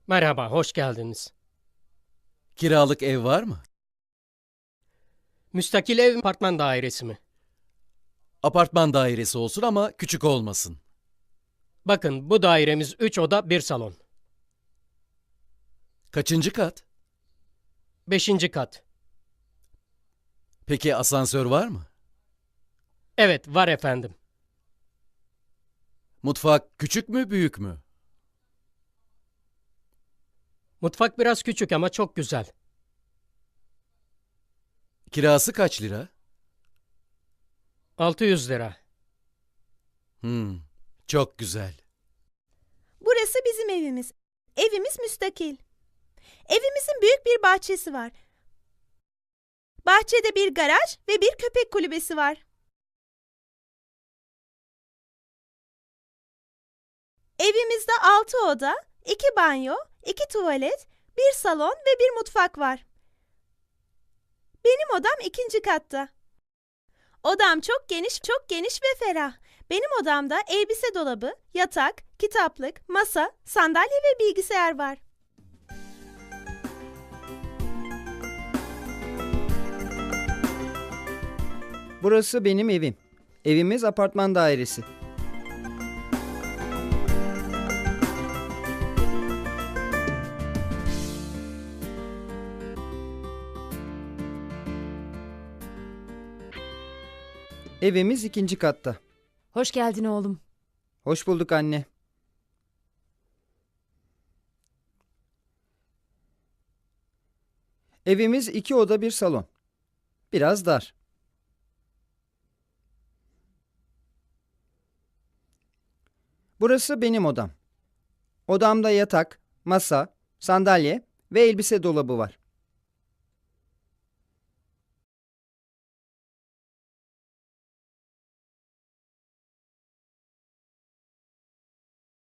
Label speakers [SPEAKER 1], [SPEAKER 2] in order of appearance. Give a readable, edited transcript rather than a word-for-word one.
[SPEAKER 1] Merhaba, hoş geldiniz.
[SPEAKER 2] Kiralık ev var mı?
[SPEAKER 1] Müstakil ev apartman dairesi mi?
[SPEAKER 2] Apartman dairesi olsun ama küçük olmasın.
[SPEAKER 1] Bakın bu dairemiz 3 oda bir salon.
[SPEAKER 2] Kaçıncı kat?
[SPEAKER 1] 5. kat.
[SPEAKER 2] Peki asansör var mı?
[SPEAKER 1] Evet, var efendim.
[SPEAKER 2] Mutfak küçük mü, büyük mü?
[SPEAKER 1] Mutfak biraz küçük ama çok güzel.
[SPEAKER 2] Kirası kaç lira?
[SPEAKER 1] 600 lira.
[SPEAKER 2] Hmm, çok güzel.
[SPEAKER 3] Burası bizim evimiz. Evimiz müstakil. Evimizin büyük bir bahçesi var. Bahçede bir garaj ve bir köpek kulübesi var. Evimizde 6 oda, 2 banyo, 2 tuvalet, bir salon ve bir mutfak var. Benim odam 2. katta. Odam çok geniş ve ferah. Benim odamda elbise dolabı, yatak, kitaplık, masa, sandalye ve bilgisayar var.
[SPEAKER 4] Burası benim evim. Evimiz apartman dairesi. Evimiz 2. katta.
[SPEAKER 5] Hoş geldin oğlum.
[SPEAKER 4] Hoş bulduk anne. Evimiz 2 oda bir salon. Biraz dar. Burası benim odam. Odamda yatak, masa, sandalye ve elbise dolabı var.